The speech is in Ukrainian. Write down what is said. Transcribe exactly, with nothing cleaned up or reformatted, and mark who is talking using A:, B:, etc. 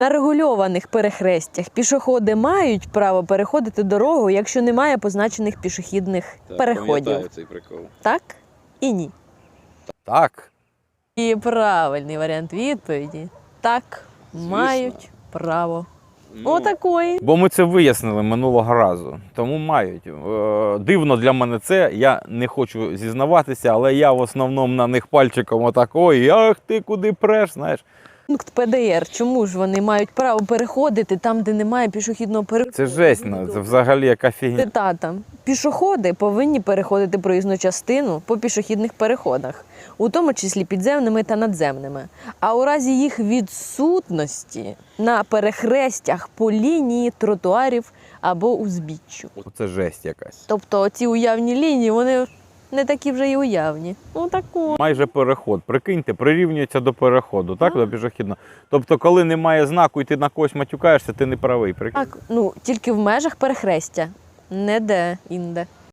A: На регульованих перехрестях пішоходи мають право переходити дорогу, якщо немає позначених пішохідних
B: Так,
A: переходів.
B: пам'ятаю цей прикол.
A: Так і ні.
C: Так.
A: І правильний варіант відповіді. Так,
B: Звісно.
A: мають право.
B: Ну,
A: Отакої.
C: Бо ми це вияснили минулого разу, тому мають. Е, Дивно для мене це, я не хочу зізнаватися, але я в основному на них пальчиком отак, ой, ах ти куди преш, знаєш.
A: Пункт Пе Де Ер. Чому ж вони мають право переходити там, де немає пішохідного переходу?
C: Це жесть, ну, це взагалі яка фігня.
A: Цитата. Пішоходи повинні переходити проїзну частину по пішохідних переходах, у тому числі підземними та надземними. А у разі їх відсутності на перехрестях по лінії тротуарів або узбіччю.
C: Це жесть якась.
A: Тобто ці уявні лінії, вони не такі вже й уявні. Ну таку.
C: Майже переход. Прикиньте, прирівнюється до переходу, так, до пішохідного. Тобто, коли немає знаку і ти на когось матюкаєшся, ти не правий. Прикинь.
A: Так, ну тільки в межах перехрестя, не де інде.